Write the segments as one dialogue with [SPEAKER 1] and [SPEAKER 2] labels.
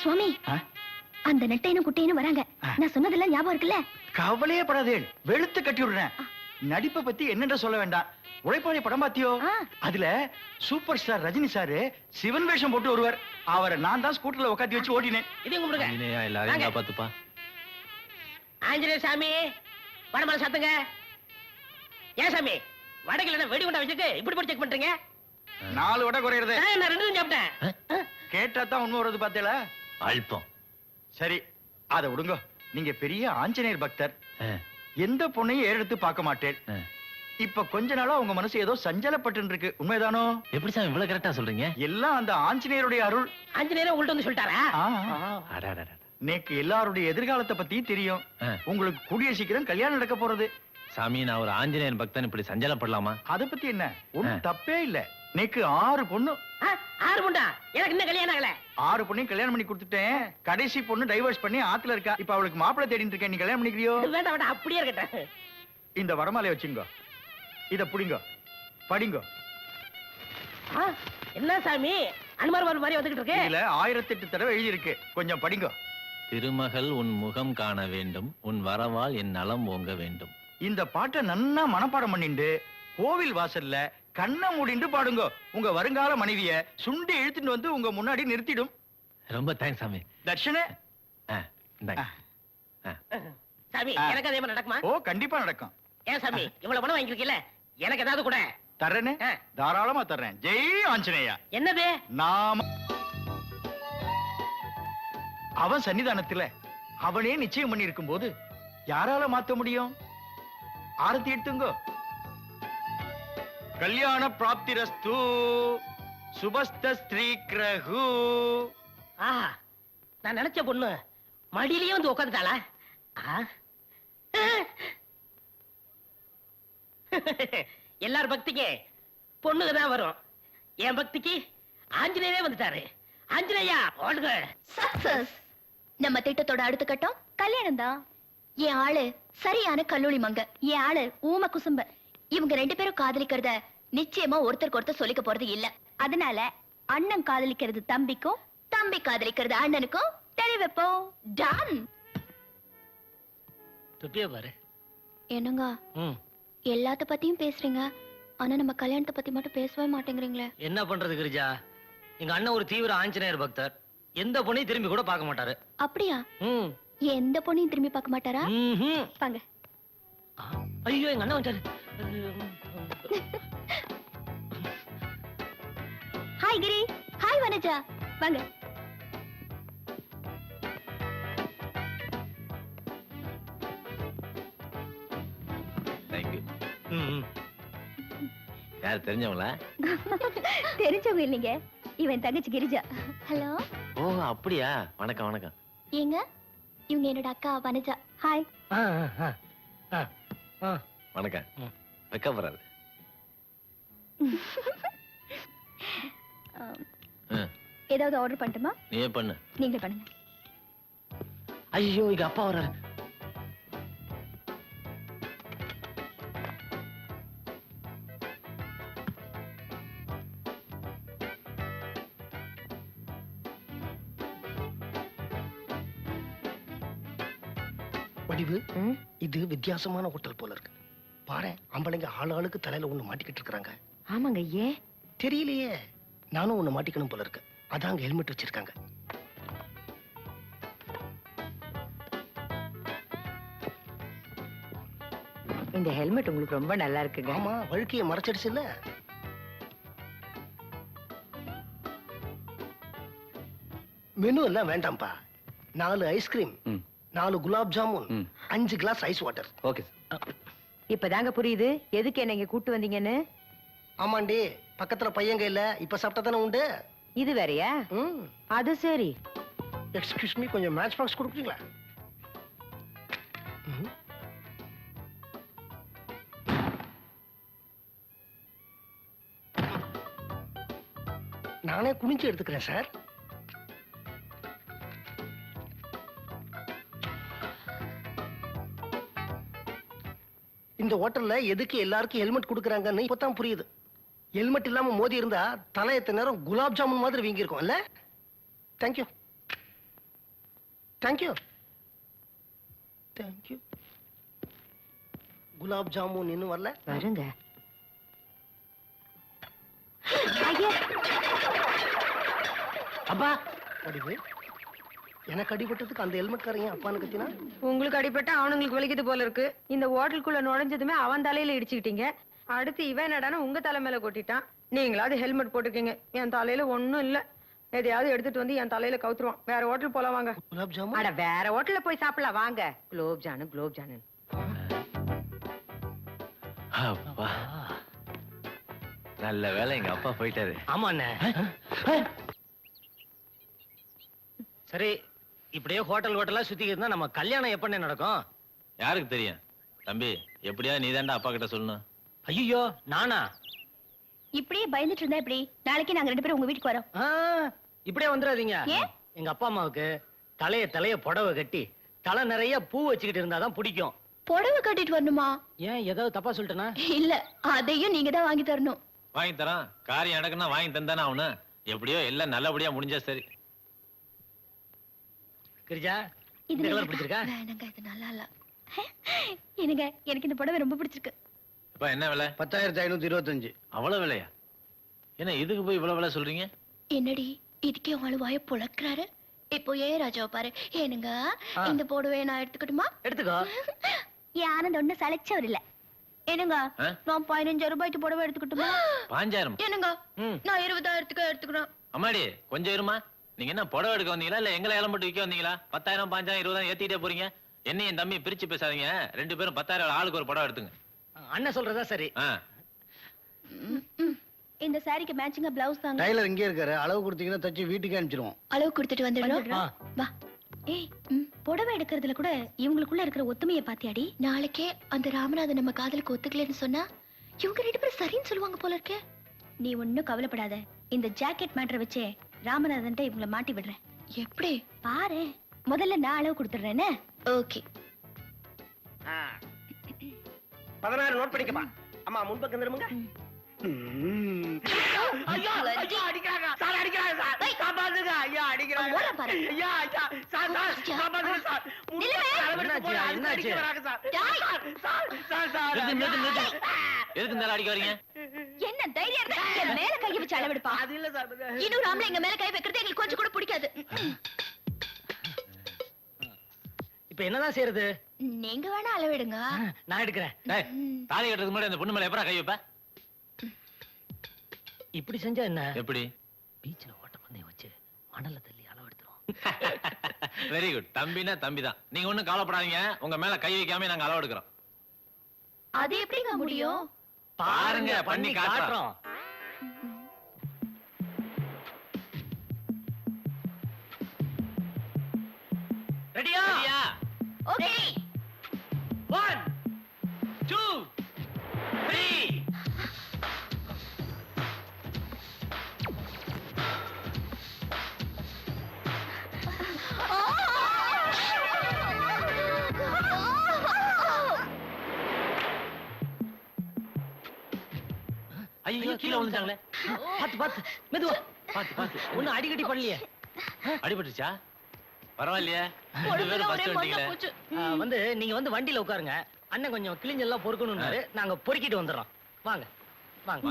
[SPEAKER 1] சுவாமி, அந்த நெட்டையனும் குட்டையனும் வராங்க. நான் சொன்னதெல்லாம் ஞாபகம் இருக்குல்ல?
[SPEAKER 2] கவலையே படாதேன், வெளுத்து கட்டி விடுறேன். நடிப்பை பத்தி என்னென்ற சொல்ல வேண்டாம். உழைப்பாளி படம் பாத்தியோ? அதுல super star Rajini sir Sivan வேஷம் போட்டு வருவார். அவரை நான் தான் ஸ்கூட்டர்ல உட்காந்து வச்சு ஓட்டினேன்.
[SPEAKER 3] இது கும்பிடுங்க.
[SPEAKER 4] எல்லாரையும் காப்பாத்துப்பா.
[SPEAKER 3] ஆஞ்சநேய சாமி, வடமலை சாத்துங்க. ஏன் சாமி, வடகில வெடி குண்டா வச்சுட்டு இப்படி போட்டு செக் பண்றீங்க?
[SPEAKER 2] 4 வடை குறையிறது.
[SPEAKER 3] நான் 2 சாப்பிட்டேன்.
[SPEAKER 2] கேட்டா தான் உண்மை வருது பாத்தீங்களா?
[SPEAKER 4] அல்பம்.
[SPEAKER 2] சரி, அத விடுங்க. நீங்க பெரிய ஆஞ்சநேயர் பக்தர். எந்த பொண்ணையும் ஏறெடுத்து பார்க்க மாட்டேன். இப்ப கொஞ்ச நாளா உங்க மனசு ஏதோ சஞ்சலப்பட்டு இருக்கு, உண்மைதானோ?
[SPEAKER 4] எப்படி சாமி இவ்வளவு கரெக்டா சொல்றீங்க?
[SPEAKER 2] எல்லாம் அந்த ஆஞ்சநேயருடைய அருள்.
[SPEAKER 3] ஆஞ்சநேயர் உங்கள்ட்ட வந்து சொல்லிட்டாரா?
[SPEAKER 2] நேக்கு எல்லாருடைய எதிர்காலத்தை பத்தி தெரியும். உங்களுக்கு கூடிய சீக்கிரம் கல்யாணம் நடக்க போறது.
[SPEAKER 4] சாமி, நான் ஒரு ஆஞ்சநேயன் பக்தன், இப்படி சஞ்சலப்படலாமா?
[SPEAKER 2] அத பத்தி என்ன, ஒண்ணும் தப்பே இல்ல. நேக்கு 6 பொண்ணு.
[SPEAKER 3] 6 பொண்ணா? எனக்கு இன்னும் கல்யாணம் ஆகல.
[SPEAKER 2] 6 பொண்ணையும் கல்யாணம் பண்ணி கொடுத்துட்டேன். கடைசி பொண்ணு டைவர்ஸ் பண்ணி ஆத்துல இருக்கா. இப்ப அவளுக்கு மாப்பிள்ளை தேடிட்டு இருக்கேன். நீ கல்யாணம் பண்ணிக்கிறியோ?
[SPEAKER 3] வேண்டாம் வேண்டாம், அப்படியே இருக்கட்டும்.
[SPEAKER 2] இந்த வரமாலை வச்சுங்க, இத புடிங்க, படிங்க.
[SPEAKER 3] என்ன சாமி, அனுமார் மாதிரி வந்துகிட்டு இருக்கு?
[SPEAKER 2] இதுல 1008 தடவை எழுதி இருக்கு, கொஞ்சம் படிங்க.
[SPEAKER 4] திருமகள் உன் முகம் காண வேண்டும், உன் வரவால் என் நலம் ஓங்க வேண்டும்.
[SPEAKER 2] இந்த பாட்டை நன்னா மனப்பாடம் பண்ணிண்டு கோவில் வாசல்ல கண்ணை மூடிண்டு பாடுங்க. உங்க வருங்கால மனைவிய சுண்டி இழுத்துட்டு வந்து உங்க முன்னாடி நிறுத்திடும்.
[SPEAKER 4] ரொம்ப தேங்க்ஸ் சாமி.
[SPEAKER 2] தர்ஷனே.
[SPEAKER 3] சாமி, எனக்கு அதே மாதிரி நடக்குமா?
[SPEAKER 2] ஓ, கண்டிப்பா நடக்கும்.
[SPEAKER 3] ஏன் சாமி, இவ்வளவு பணம் வாங்கிருக்கீல்ல, எனக்கு ஏதாவது கூட
[SPEAKER 2] தர்றேனே, தாராளமா தர்றேன். ஜெய் ஆஞ்சநேயா.
[SPEAKER 3] என்னது?
[SPEAKER 2] நாம அவன் சன்னிதானத்துல அவனே நிச்சயம் பண்ணி இருக்கும் போது யாரால மாத்த முடியும்? ஆரத்தி எடுத்துங்க. கல்யாண பிராப்திரஸ்து சுபஸ்த ஸ்ரீ கிரகு.
[SPEAKER 3] நான் நினைச்ச பொண்ணு மடியிலேயே வந்து உட்காந்துட்டாளா? எல்லார் பக்திக்கு பொண்ணுக்கு தான் வரும். என் பக்திக்கு ஆஞ்சநேயரே வந்துட்டாரு. ஆஞ்சநேயா ஓடுங்க.
[SPEAKER 1] சக்சஸ். நம்ம திட்டத்தோட அடுத்த கட்டம் கல்யாணம் தான். என் ஆளு சரியான கல்லூரி மங்க, என் ஆளு ஊம குசும்ப. இவங்க 2 பேரும் காதலிக்கிறத நிச்சயமா ஒருத்தருக்கு ஒருத்தர் சொல்லிக்க போறது இல்ல. அதனால அண்ணன் காதலிக்கிறது தம்பிக்கும், தம்பி காதலிக்கிறது அண்ணனுக்கும் தெரிய வைப்போம். டன்.
[SPEAKER 3] துப்பிய பாரு.
[SPEAKER 1] என்னங்க எல்லாத்த பத்தியும் பேசுறீங்க, ஆனா நம்ம கல்யாணத்தை பத்தி மட்டும் பேசவே மாட்டேங்கிறீங்களே.
[SPEAKER 5] என்ன பண்றது கிரிஜா, எங்க அண்ணன் ஒரு தீவிர ஆஞ்சநேயர் பக்தர். எந்த பொண்ணையும் திரும்பி கூட பார்க்க மாட்டாரு.
[SPEAKER 1] அப்படியா? எந்த பொண்ணையும் திரும்பி பார்க்க மாட்டாரா? வாங்க.
[SPEAKER 5] ஐயோ, எங்க அண்ணன் வந்துட்டாரு.
[SPEAKER 1] ஹாய் கிரி. ஹாய் வனஜா. வாங்க.
[SPEAKER 4] தேங்க்யூ. யார் தெரிஞ்சவங்களா?
[SPEAKER 1] தெரிஞ்சவங்க இல்லைங்க, இவன் தங்கச்சி கிரிஜா. ஹலோ.
[SPEAKER 4] ஓ, அப்படியா? வணக்கம் வணக்கம்.
[SPEAKER 1] ஏங்க, இவங்க என்னோட அக்கா வனஜா. ஹாய்.
[SPEAKER 4] வணக்கம். வெக்கப்படுறாரு.
[SPEAKER 1] ஏதாவது ஆர்டர் பண்ணட்டுமா?
[SPEAKER 4] நீயே பண்ணு.
[SPEAKER 1] நீங்களே பண்ணுங்க.
[SPEAKER 4] ஐயோ, இங்க அப்பா வர்றாரு.
[SPEAKER 6] வடிவு, இது வித்தியாசமான ஹோட்டல் போல இருக்கு. பாரு, ஆம்பளைங்க ஆளுக்கு தலையில ஒண்ணு மாட்டிக்கிட்டு இருக்காங்க.
[SPEAKER 7] ஆமாங்க. ஏன்
[SPEAKER 6] தெரியலையே, நானும் ஒண்ணு மாட்டிக்கணும் போல இருக்கு. அதான் ஹெல்மெட் வச்சிருக்காங்க.
[SPEAKER 7] இந்த ஹெல்மெட் உங்களுக்கு ரொம்ப நல்லா இருக்குங்க.
[SPEAKER 6] ஆமா, வழுக்கைய மறைச்சிடுச்சு இல்ல. மெனு எல்லாம் வேண்டாம்பா. 4 ice cream, 4 gulab jamun, 5 glass ice water.
[SPEAKER 4] Okay sir.
[SPEAKER 7] இப்பதாங்க புரியுது எதுக்கு என்ன இங்க கூட்டு வந்தீங்கன்னு.
[SPEAKER 6] ஆமாண்டி, பக்கத்துல பையங்க இல்ல, இப்ப சாப்பிட்டா தானே உண்டு.
[SPEAKER 7] இது வேறயா? அது சரி.
[SPEAKER 6] எக்ஸ்கியூஸ் மீ, கொஞ்சம் மேட்ச் பாக்ஸ் கொடுக்குறீங்களா? நானே குனிஞ்சு எடுத்துக்கிறேன் சார். இந்த ஹோட்டல்ல எதுக்கு எல்லாருக்கும் ஹெல்மெட் கொடுக்கறாங்கன்னு இப்பதான் புரியுது. ஹெல்மெட் இல்லாம மோதி இருந்தா தலை எத்தனை நேரம் குலாப் ஜாமுன் மாதிரி வீங்கி இருக்கும் இல்ல. Thank you. Thank you thank you. Gulab jamun இன்னும் வரல.
[SPEAKER 7] வருங்க. ஐயா,
[SPEAKER 6] அப்பா வடிவு, எனக்கு அடிபட்டதுக்கு அந்த ஹெல்மெட்காரங்க அப்பான்னு கத்தினா.
[SPEAKER 7] உங்களுக்கு அடிபட்டா அவனுங்களுக்கு வலிக்குது போல இருக்கு. இந்த ஹோட்டலுக்குள்ள நுழைஞ்சதுமே அவன் தலையில இடிச்சுக்கிட்டீங்க. அடுத்து இவன் என்னடானா உங்க தலை மேல கொட்டிட்டான். நீங்களாவது ஹெல்மெட் போட்டுக்கீங்க. என் தலையில ஒண்ணும் இல்ல. எதையாவது எடுத்துட்டு வந்து என் தலையில கவுத்துருவான். வேற ஹோட்டல் போலாம் வாங்க.
[SPEAKER 6] குலாப் ஜாமுன்.
[SPEAKER 7] அட வேற ஹோட்டல்ல போய் சாப்பிடலாம் வாங்க. குலோப் ஜானு குலோப் ஜானு.
[SPEAKER 4] அப்பா நல்ல வேலை எங்க அப்பா போயிட்டாரு.
[SPEAKER 5] ஆமா அண்ணே. சரி, இப்படியே ஹோட்டலா சுத்திக்கிட்டு இருந்தா நம்ம கல்யாணம் எப்பண்ணே நடக்கும்?
[SPEAKER 4] யாருக்கு தெரியும் தம்பி, எப்படியா நீதாண்டா அப்பா கிட்ட சொல்லணும்.
[SPEAKER 5] ஐயோ, நானா?
[SPEAKER 1] இப்படியே பயந்துட்டு இருந்தா எப்படி? நாளைக்கு நாங்க 2 பேரும் உங்க வீட்டுக்கு வரோம்.
[SPEAKER 5] இப்படியே வந்துடாதீங்க.
[SPEAKER 1] ஏன்?
[SPEAKER 5] எங்க அப்பா அம்மாவுக்கு தலைய புடவை கட்டி தலை நிறைய பூ வச்சுக்கிட்டு இருந்தாதான் பிடிக்கும்.
[SPEAKER 1] புடவை கட்டிட்டு வரணுமா?
[SPEAKER 5] ஏன், ஏதாவது தப்பா சொல்லிட்டேனா?
[SPEAKER 1] இல்ல, அதையும் நீங்க தான் வாங்கி தரணும்.
[SPEAKER 4] வாங்கி தரான். காரியம் நடக்குன்னா வாங்கி தந்தானே அவனு. எப்படியோ எல்லாம் நல்லபடியா முடிஞ்சா சரி.
[SPEAKER 5] கிரிஜா,
[SPEAKER 1] இது
[SPEAKER 5] இந்த கலர்
[SPEAKER 1] நல்லா-
[SPEAKER 5] பிடிச்சிருக்கா?
[SPEAKER 1] வேணாங்க, இது நல்லா இல்ல. என்னங்க, எனக்கு இந்த புடவை ரொம்ப பிடிச்சிருக்கு.
[SPEAKER 4] இப்ப என்ன விலை?
[SPEAKER 6] 10,525.
[SPEAKER 4] அவ்வளவு விலையா? என்ன இதுக்கு போய் இவ்வளவு விலை சொல்றீங்க?
[SPEAKER 1] என்னடி இதுக்கே உங்க வாய புழக்கிறாரு? இப்போ ஏன் ராஜாவை பாரு. ஏனுங்க, இந்த புடவையை நான் எடுத்துக்கட்டுமா?
[SPEAKER 5] எடுத்துக்கோ.
[SPEAKER 1] என் ஆனந்த் ஒண்ணு சளைச்சவர் இல்ல. என்னங்க,
[SPEAKER 4] ஆ?
[SPEAKER 1] நான் 15,000 ரூபாய்க்கு புடவை எடுத்துக்கட்டுமா?
[SPEAKER 4] 5,000?
[SPEAKER 1] என்னங்க,
[SPEAKER 5] ம்.
[SPEAKER 1] நான் 20,000க்கு எடுத்துக்கிறேன்.
[SPEAKER 4] அம்மாடி கொஞ்சம் இருமா. நீங்க என்ன புடவை எடுக்க வந்தீங்களா இல்ல எங்களை இளம்பட்டு விற்க வந்தீங்களா? 10,000 5,000 20,000 ஏத்திட்டே போறீங்க. என்ன என் தம்பி பிரிச்சு பேசாதீங்க. 2 பேரும் 10,000 ஆளுக்கு ஒரு புடவை எடுத்துங்க.
[SPEAKER 5] அண்ணன் சொல்றதா சரி.
[SPEAKER 4] ஆ.
[SPEAKER 1] இந்த சாரிக்கு மேட்சிங்கா பிளவுஸ் தாங்க.
[SPEAKER 6] டைலர் இங்கே இருக்காரு, அளவு கொடுத்தீங்கன்னா தச்சு வீட்டுக்கு அனுப்பிச்சிருவோம்.
[SPEAKER 1] அளவு கொடுத்துட்டு வந்துடுறோம்.
[SPEAKER 5] ஆ.
[SPEAKER 1] வா. ஏய், புடவை எடுக்கிறதுல கூட இவங்களுக்குள்ள இருக்கிற ஒத்துமையை பாத்தியாடி? நாளைக்கே அந்த ராமநாதன் நம்ம காதலுக்கு ஒத்துக்கலன்னு சொன்னா இவங்க 2 பேரும் சரின்னு சொல்லுவாங்க போல இருக்கே. நீ ஒண்ணும் கவலைப்படாத. இந்த ஜாக்கெட் மேட்டரை வச்சே ராமநாதன்ட்ட இவங்களை மாட்டி விடுறேன். எப்படி பாரு. முதல்ல நான் அளவு கொடுத்துடுறேன்னு. ஓகே.
[SPEAKER 3] 16 நோட் பண்ணிக்கப்பா. அம்மா முன்பக்கம் திரும்புங்க. ஐயா, ஐயா அடிக்கிறாங்க சார், அடிக்கிறாங்க சார், காப்பாத்துங்க ஐயா, அடிக்கிறாங்க
[SPEAKER 1] ஓரம் பாரு.
[SPEAKER 3] ஐயா, ஐயா சார், சார் காப்பாத்துங்க சார்,
[SPEAKER 5] என்னாச்சு?
[SPEAKER 3] அடிக்கிறாங்க சார்,
[SPEAKER 1] டாய்.
[SPEAKER 3] சார், சார், சார்,
[SPEAKER 4] நிறுத்து. எதுக்கு இந்த அடிக்க வரீங்க?
[SPEAKER 1] என்ன தைரியம் இருந்தா என் மேல கை வச்சு அளவெடுப்பா.
[SPEAKER 3] அது இல்ல சார்,
[SPEAKER 1] இன்னொரு ஆம்பளை எங்க மேல கை வைக்கிறது எங்களுக்கு கொஞ்சம் கூட பிடிக்காது.
[SPEAKER 5] இப்ப என்னதான் செய்யறது?
[SPEAKER 1] நீங்க வேணா அளவெடுங்க.
[SPEAKER 5] நான் எடுக்கிறேன்.
[SPEAKER 4] டேய், தாலி கட்டுறதுக்கு முன்னாடி அந்த பொண்ணு மேல எப்பறா கை வைப்ப?
[SPEAKER 5] இப்படி செஞ்சா என்ன?
[SPEAKER 4] எப்படி?
[SPEAKER 5] பீச்ல ஓட்ட பந்தயம் வச்சு மணல்ல தள்ளி அளவு எடுத்துரும்.
[SPEAKER 4] Very good. தம்பினா தம்பி தான். நீங்க ஒண்ணும் கவலைப்படாதீங்க. உங்க மேல கை வைக்காம நாங்க அளவு எடுக்கிறோம்.
[SPEAKER 1] அது எப்படிங்க முடியும்?
[SPEAKER 4] பாருங்க, பண்ணி காட்டுறோம்.
[SPEAKER 5] ரெடியா?
[SPEAKER 1] ஓகே.
[SPEAKER 5] 1 2 3.
[SPEAKER 4] ஐயோ, கீழே விழுந்தாங்களே.
[SPEAKER 5] பாத்து மெதுவா.
[SPEAKER 4] பாத்து.
[SPEAKER 5] ஒண்ணும் அடிக்கடி பண்ணலையே.
[SPEAKER 4] அடிபட்டுச்சா? பரவாயில்லையே. 2
[SPEAKER 1] உடம்புல
[SPEAKER 4] பேரும்
[SPEAKER 1] ஒரே
[SPEAKER 4] ஃபர்ஸ்ட்
[SPEAKER 1] மண்ணா
[SPEAKER 4] வந்துட்டீங்களே.
[SPEAKER 1] போச்சு.
[SPEAKER 5] நீங்க வந்து வண்டியில உட்காருங்க. அண்ணன் கொஞ்சம் கிழிஞ்செல்லாம் பொறுக்கணும்னாரு. நாங்க பொறுக்கிட்டு வந்துடுறோம். வாங்க வாங்க.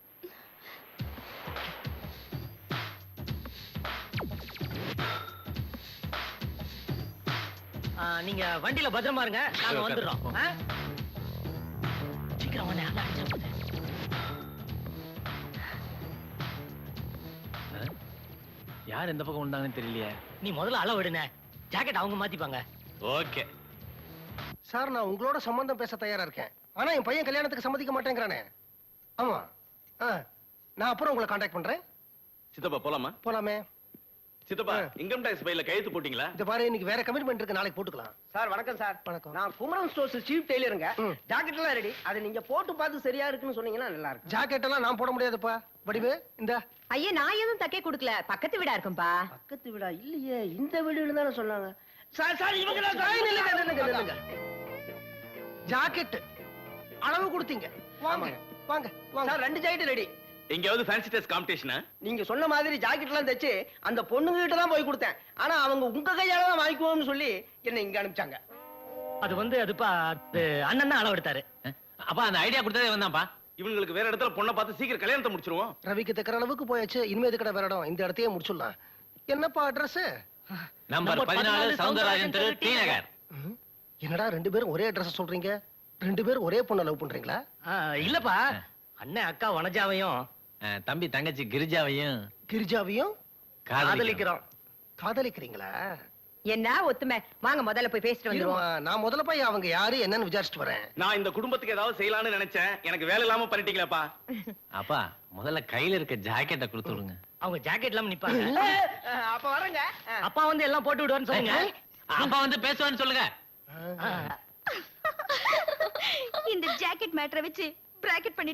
[SPEAKER 5] நீங்க வண்டியில பத்திரமா இருங்க. நாங்க
[SPEAKER 4] சரி,
[SPEAKER 5] வந்துடுறோம்.
[SPEAKER 4] உட்காரு.
[SPEAKER 5] சீக்கிரம் வாங்க. அண்ணா அடிச்சா போகுது.
[SPEAKER 4] யார் எந்த பக்கம் விழுந்தாங்கன்னு தெரியலையே.
[SPEAKER 5] நீ முதல்ல அளவு எடுன. ஜாக்கெட் அவங்க மாத்திப்பாங்க.
[SPEAKER 4] ஓகே.
[SPEAKER 6] சார், நான் உங்களோட சம்பந்தம் பேச தயாரா இருக்கேன். ஆனா என் பையன் கல்யாணத்துக்கு சம்மதிக்க மாட்டேங்கிறானே. ஆமா. நான் அப்புறம் உங்களை காண்டாக்ட் பண்றேன்.
[SPEAKER 8] சித்தப்பா போலாமா?
[SPEAKER 6] போலாமே.
[SPEAKER 8] சித்தப்பா, இன்கம் டாக்ஸ் ஃபைல்ல கையெழுத்து போட்டீங்களா?
[SPEAKER 6] இந்த பாரு, இன்னைக்கு வேற கமிட்மெண்ட் இருக்கு, நாளைக்கு போட்டுக்கலாம்.
[SPEAKER 3] சார் வணக்கம் சார்.
[SPEAKER 6] வணக்கம்.
[SPEAKER 3] நான் குமரன் ஸ்டோர்ஸ் சீஃப் டெய்லருங்க.
[SPEAKER 6] ம்.
[SPEAKER 3] ஜாக்கெட் எல்லாம் ரெடி. அது நீங்க போட்டு பார்த்து சரியா இருக்குன்னு சொன்னீங்கன்னா நல்லா இருக்கும்.
[SPEAKER 6] ஜாக்கெட் எல்லாம் நான் போட முடியாதுப்பா. வடிவு, இந்த
[SPEAKER 7] ஐயா, நான் எதுவும் தைக்க கொடுக்கல. பக்கத்து வீடா இருக்கும்பா.
[SPEAKER 3] பக்கத்து வீடா? இல்லையே, இந்த வீடுன்னு தானே சொன்னாங்க. சார், சார் இவங்க தான் சார்.
[SPEAKER 6] நில்லுங்க. ஜாக்கெட் அளவு கொடுத்தீங்க. வாங்க
[SPEAKER 3] ஆமாங்க.
[SPEAKER 6] வாங்க வாங்க.
[SPEAKER 3] Sir 2 jacket ready.
[SPEAKER 8] எங்கேயாவது ஃபேன்சி ட்ரெஸ் காம்படிஷனா?
[SPEAKER 3] நீங்க சொன்ன மாதிரி ஜாக்கெட் எல்லாம் தைச்சு அந்த பொண்ணுங்க கிட்ட தான் போய் கொடுத்தேன். ஆனா அவங்க உங்க கையால தான் வாங்கிக்குவோம்னு சொல்லி என்ன இங்க அனுப்பிச்சாங்க.
[SPEAKER 5] அது வந்து அதுப்பா அது அண்ணன் தான் அளவு எடுத்தாரு.
[SPEAKER 4] அப்பா அந்த ஐடியா கொடுத்ததே வந்தாப்பா.
[SPEAKER 8] இவங்களுக்கு வேற இடத்துல பொண்ணை பார்த்து சீக்கிரம் கல்யாணத்தை முடிச்சிருவோம்.
[SPEAKER 6] ரவிக்கு தைக்கிற அளவுக்கு போயாச்சு, இனிமே எதுக்கடா வேற இடம், இந்த இடத்தையே முடிச்சுடலாம். என்னப்பா அட்ரஸ்?
[SPEAKER 4] நம்பர் 14 சௌந்தரராஜன் தெரு, டி நகர்.
[SPEAKER 6] என்னடா ரெண்டு பேரும் ஒரே அட்ரஸ் சொல்றீங்க? ரெண்டு பேரும் ஒரே பொண்ணை லவ் பண்றீங்களா?
[SPEAKER 5] இல்லப்பா, அண்ணன் அக்கா வனஜாவையும்
[SPEAKER 4] தம்பி தங்கச்சி கிரிஜாவையும்
[SPEAKER 6] கிரிஜாவையும்
[SPEAKER 4] காதலிக்கிறோம்.
[SPEAKER 6] காதலிக்கிறீங்களா?
[SPEAKER 7] என்ன ஒத்துமை, வாங்க முதல்ல போய் பேசிட்டு வந்துருவோம்.
[SPEAKER 6] இருமா, நான் முதல்ல போய் அவங்க யாரு என்னன்னு விசாரிச்சுட்டு வரேன்.
[SPEAKER 8] நான் இந்த குடும்பத்துக்கு ஏதாவது செய்யலாம்னு நினைச்சேன். எனக்கு வேலை இல்லாம பண்ணிட்டீங்களேப்பா.
[SPEAKER 4] அப்பா முதல்ல கையில இருக்க ஜாக்கெட்டை கொடுத்து விடுங்க.
[SPEAKER 5] அவங்க ஜாக்கெட் இல்லாம நிப்பாங்க.
[SPEAKER 3] அப்ப வரங்க.
[SPEAKER 5] அப்பா வந்து எல்லாம் போட்டு விடுவான்னு சொல்லுங்க.
[SPEAKER 4] அப்பா வந்து பேசுவான்னு சொல்லுங்க.
[SPEAKER 1] இந்த ஜாக்கெட் மேட்டரை வச்சு பிராக்கெட் பண்ணி